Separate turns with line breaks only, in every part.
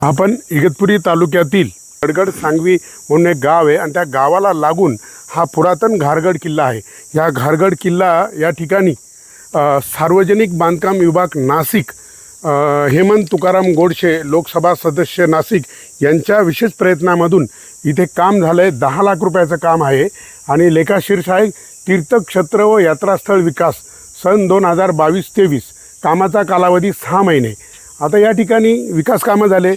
आपण इगतपुरी तालुक्यातील गडगड सांगवी म्हणून एक गाव आहे आणि त्या गावाला लागून हा पुरातन घारगड किल्ला आहे। या घारगड किल्ला या ठिकाणी सार्वजनिक बांधकाम विभाग नाशिक हेमंत तुकाराम गोडसे लोकसभा सदस्य नाशिक यांच्या विशेष प्रयत्नामधून इथे काम झालं आहे। 10 लाख रुपयाचं काम आहे आणि लेखाशीर्ष आहे तीर्थक्षेत्र व यात्रास्थळ विकास सन 2022-23 कामाचा कालावधी 6 महिने। आता या ठिकाणी विकास कामं झाले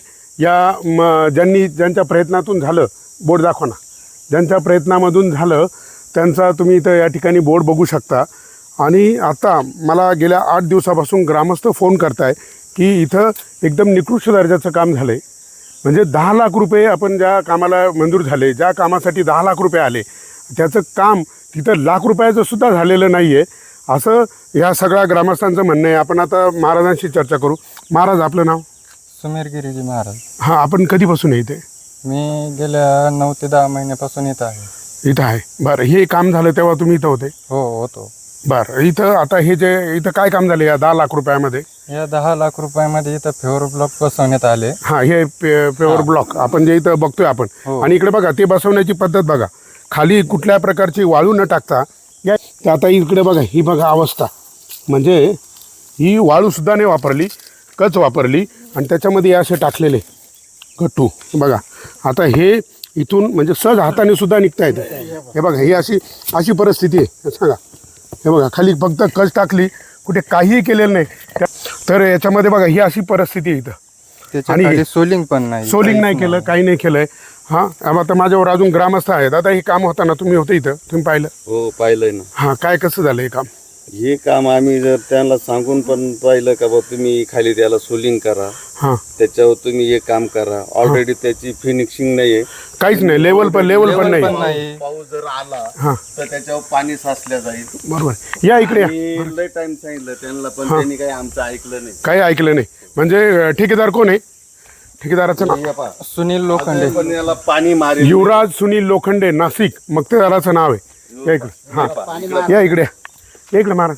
या ज्यांच्या प्रयत्नातून झालं बोर्ड दाखवा ना, ज्यांच्या प्रयत्नामधून झालं त्यांचा तुम्ही इथं या ठिकाणी बोर्ड बघू शकता। आणि आता मला गेल्या 8 दिवसापासून ग्रामस्थ फोन करताय की इथं एकदम निकृष्ट दर्जाचं काम झालं आहे। म्हणजे 10 लाख रुपये आपण ज्या कामाला मंजूर झाले, ज्या कामासाठी 10 लाख रुपये आले त्याचं काम तिथं लाख रुपयाचं सुद्धा झालेलं नाही आहे असं या सगळ्या ग्रामस्थांचं म्हणणं आहे। आपण आता महाराजांशी चर्चा करू। महाराज आपलं नाव?
सुमेर गिरीजी महाराज।
हां, आपण कधीपासून आहे इथे?
मी गेल्या 9 ते 10 महिन्यापासून इथं आहे।
इथं आहे, बरं। हे काम झालं तेव्हा तुम्ही इथं होते?
हो होतो।
बरं, इथं आता हे जे इथं काय काम झालं या 10 लाख रुपयामध्ये?
या 10 लाख रुपयामध्ये इथं फेवर ब्लॉक बसवण्यात आले।
हां, हे पेवर ब्लॉक आपण जे इथं बघतोय आपण, आणि इकडे बघा ते बसवण्याची पद्धत बघा, खाली कुठल्या प्रकारची वाळू न टाकता या आता इकडे बघा, ही बघा अवस्था, म्हणजे ही वाळूसुद्धा नाही वापरली, कच वापरली आणि त्याच्यामध्ये असे टाकलेले गट्टू बघा। आता हे इथून म्हणजे सहज हाताने सुद्धा निघता येतं। हे बघा, ही अशी परिस्थिती आहे। सांगा, हे बघा खाली फक्त कच टाकली, कुठे काहीही केलेलं नाही। तर याच्यामध्ये बघा ही अशी परिस्थिती आहे इथं,
आणि सोलिंग पण नाही,
सोलिंग नाही केलं, काही नाही केलंय। हां, आता माझ्यावर अजून ग्रामस्थ आहेत। आता हे काम होताना तुम्ही होते इथं, तुम्ही पाहिलं?
हो, पाहिलंय ना।
हां, काय कसं झालं हे काम?
हे काम आम्ही जर त्यांना सांगून पण पाहिलं का बा तुम्ही खाली त्याला सोलिंग करा,
हां,
त्याच्यावर तुम्ही हे काम करा। ऑलरेडी त्याची फिनिशिंग नाहीये,
काहीच नाही, लेवल पण नाही।
पाऊस जर आला
हां,
तर त्याच्यावर पाणी साचल्या जाईल।
बरोबर। या इकडे या।
मी लय टाइम सांगितलं त्यांना, पण त्यांनी काही आमचं ऐकलं नाही,
काही ऐकलं नाही। म्हणजे ठेकेदार कोण आहे? ठेकेदाराचं नाव
सुनील लोखंडे।
पण याला पाणी मारे
युवराज सुनील लोखंडे नाशिक मक्तेदाराचं नाव आहे। या इकडे, हां या इकडे, या इकडे महाराज।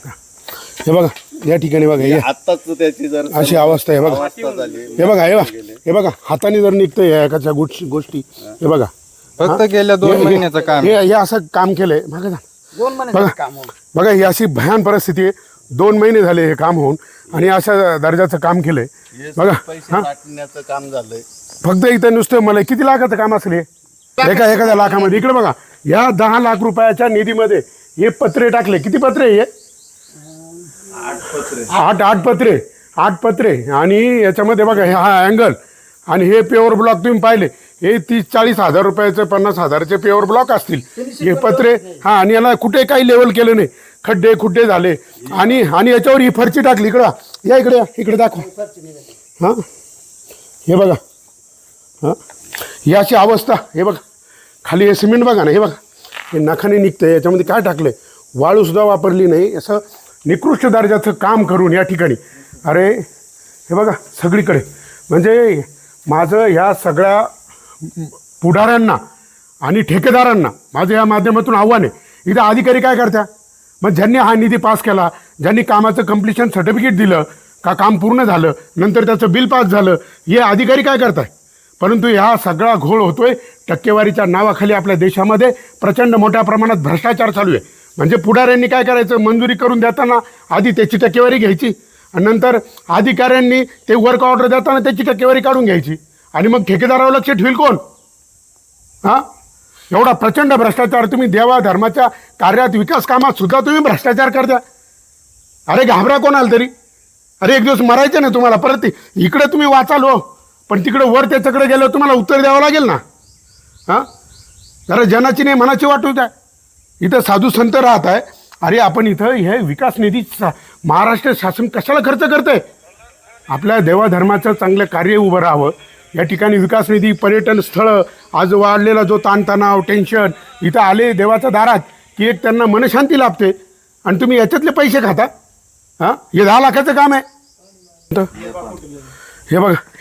हे बघा या ठिकाणी बघा, हे
आताच त्याची जर
अशी अवस्था आहे बघा।
अवस्था झाली,
हे बघा, हे बघा हाताने जर निघतं या एकाच्या गोष्टी, हे बघा
फक्त गेल्या 2 महिन्याचं काम।
हे असं काम केलंय मागे जा, बघा ही अशी भयान परिस्थिती आहे। 2 महिने झाले हे काम होऊन आणि अशा दर्जाचं काम केलंय बघा।
पैसे साठण्याचं काम झालंय।
फक्त इथं नुसतं मला किती लाखाचं काम असेल हे? एखाद्या लाखामध्ये। इकडे बघा, या 10 लाख रुपयाच्या निधीमध्ये हे पत्रे टाकले। किती पत्रे? हे 8 पत्रे आणि याच्यामध्ये बघा हा अँगल आणि हे पेवर ब्लॉक तुम्ही पाहिले, हे 30-40 हजार रुपयाचे 50 हजाराचे पेवर ब्लॉक असतील हे पत्रे। हां, आणि याला कुठे काही लेवल केलं नाही, खड्डे झाले आणि याच्यावर ही फरची टाकली। इकडं या, इकडे दाखवा। हां, हे बघा, हां ही अशी अवस्था। हे बघा खाली हे सिमेंट बघा ना, हे बघा हे नखाने निघतं, याच्यामध्ये काय टाकलंय, वाळूसुद्धा वापरली नाही। असं निकृष्ट दर्जाचं काम करून या ठिकाणी, अरे हे बघा सगळीकडे। म्हणजे माझं ह्या सगळ्या पुढाऱ्यांना आणि ठेकेदारांना माझं या माध्यमातून आव्हान आहे, इथं अधिकारी काय करत्या? मग ज्यांनी हा निधी पास केला, ज्यांनी कामाचं कम्प्लिशन सर्टिफिकेट दिलं का काम पूर्ण झालं, नंतर त्याचं बिल पास झालं, हे अधिकारी काय करताय? परंतु ह्या सगळा घोळ होतोय टक्केवारीच्या नावाखाली। आपल्या देशामध्ये प्रचंड मोठ्या प्रमाणात भ्रष्टाचार चालू आहे। म्हणजे पुढाऱ्यांनी काय करायचं, मंजुरी करून देताना आधी त्याची टक्केवारी घ्यायची आणि नंतर अधिकाऱ्यांनी ते वर्क ऑर्डर देताना त्याची टक्केवारी काढून घ्यायची आणि मग ठेकेदारावर लक्ष ठेवील कोण? हां, एवढा प्रचंड भ्रष्टाचार। तुम्ही देवा धर्माच्या कार्यात, विकास कामात सुद्धा तुम्ही भ्रष्टाचार करता। अरे घाबरा कोणाला तरी, अरे एक दिवस मरायचं नाही तुम्हाला परत। इकडे तुम्ही वाचाल हो, पण तिकडे वर त्याच्याकडे गेलं तुम्हाला उत्तर द्यावं लागेल ना। हां, जरा जनाची नाही मनाची वाटू द्या। इथं साधू संत राहत आहे, अरे आपण इथं हे विकास निधी महाराष्ट्र शासन कशाला खर्च करतंय? आपल्या देवाधर्माचं चांगलं कार्य उभं राहावं। या ठिकाणी विकास निधी, पर्यटन स्थळं, आज वाढलेला जो ताणतणाव, टेन्शन, इथं आले देवाच्या दारात की एक त्यांना मनशांती लाभते आणि तुम्ही याच्यातले पैसे खाता। हां, हे 10 लाखाचं काम आहे। हे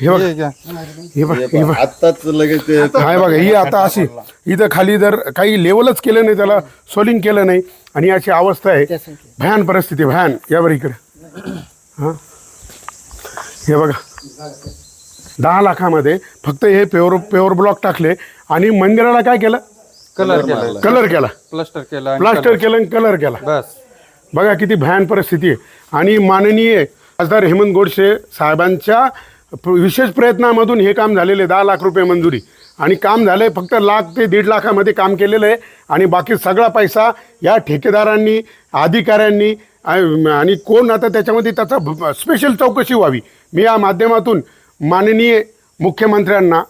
बघा
आताच लगेच
काय बघा, ही आता अशी इथं खाली जर काही लेवलच केलं नाही, त्याला सोलिंग केलं नाही आणि अशी अवस्था आहे। भयान परिस्थिती, भयान। यावर इकडे, हां हे बघा, 10 लाखामध्ये फक्त हे पेवर ब्लॉक टाकले आणि मंदिराला काय केलं?
कलर केला,
कलर केला,
प्लास्टर केला आणि
प्लास्टर केलं आणि कलर केला.
बस.
बघा किती भयान परिस्थिती आहे. आणि माननीय खासदार हेमंत गोडसे साहेबांच्या विशेष प्रयत्नामधून हे काम झालेले 10 लाख रुपये मंजुरी आणि काम झालं आहे फक्त 1 ते 1.5 लाखामध्ये काम केलेलं आहे. आणि बाकी सगळा पैसा या ठेकेदारांनी, अधिकाऱ्यांनी आणि कोण आता त्याच्यामध्ये त्याचा स्पेशल चौकशी व्हावी. मी या माध्यमातून माननीय मुख्यमंत्र्यांना,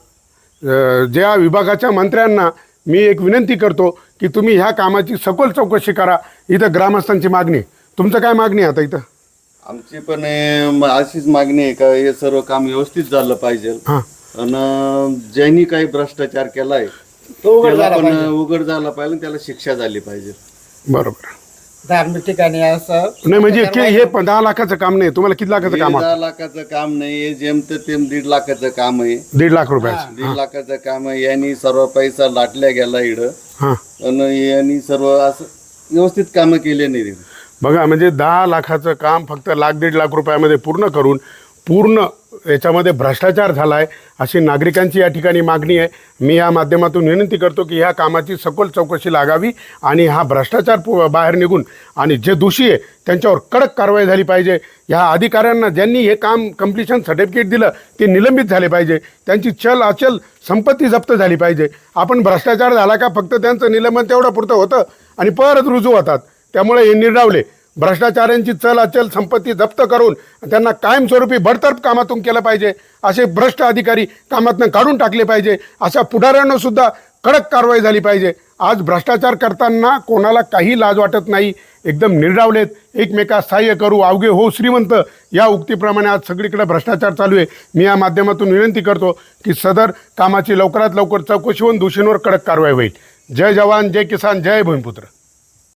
ज्या विभागाच्या मंत्र्यांना मी एक विनंती करतो की तुम्ही ह्या कामाची सखोल चौकशी करा. इथं ग्रामस्थांची मागणी आहे. तुमचं काय मागणी आहे आता इथं?
आमची पण अशीच मागणी आहे का हे सर्व काम व्यवस्थित झालं पाहिजे.
हां,
आणि ज्यांनी काही भ्रष्टाचार केलाय त्याला पण उघड झाला पाहिजे, त्याला शिक्षा झाली पाहिजे.
बरोबर.
धार्मिक ठिकाणी असं
नाही म्हणजे हे 10 लाखाचं काम नाही. तुम्हाला किती लाखाचं काम आहे?
10 लाखाचं काम नाही, हे जेमते तेम 1.5 लाखाचं काम आहे.
1.5 लाख रुपयाचं.
1.5 लाखाचं काम आहे. यांनी सर्व पैसा लाटल्या गेला इकडं
हां,
आणि यांनी सर्व असं व्यवस्थित कामं केले नाही.
बघा म्हणजे 10 लाखाचं काम फक्त 1.5 लाख रुपयामध्ये पूर्ण करून पूर्ण याच्यामध्ये भ्रष्टाचार झाला आहे अशी नागरिकांची या ठिकाणी मागणी आहे. मी या माध्यमातून विनंती करतो की ह्या कामाची सखोल चौकशी लागावी आणि हा भ्रष्टाचार बाहेर निघून आणि जे दोषी आहे त्यांच्यावर कडक कारवाई झाली पाहिजे. ह्या अधिकाऱ्यांना ज्यांनी हे काम कंप्लिशन सर्टिफिकेट दिलं ते निलंबित झाले पाहिजे. त्यांची चल अचल संपत्ती जप्त झाली पाहिजे. आपण भ्रष्टाचार झाला का फक्त त्यांचं निलंबन तेवढं पुरतं होतं आणि परत रुजू होतात. त्यामुळे हे निर्डावले. भ्रष्टाचारांची चल अचल संपत्ती जप्त करून त्यांना कायमस्वरूपी बडतर्फ कामातून केलं पाहिजे. असे भ्रष्ट अधिकारी कामातून काढून टाकले पाहिजे. अशा पुढाऱ्यांना सुद्धा कडक कारवाई झाली पाहिजे. आज भ्रष्टाचार करताना कोणाला काही लाज वाटत नाही. एकदम निर्डावलेत. एकमेकास सहाय्य करू अवघे हो श्रीमंत या उक्तीप्रमाणे आज सगळीकडे भ्रष्टाचार चालू आहे. मी या माध्यमातून विनंती करतो की सदर कामाची लवकरात लवकर चौकशी होऊन दोषींवर कडक कारवाई होईल. जय जवान, जय किसान, जय भूमिपुत्र.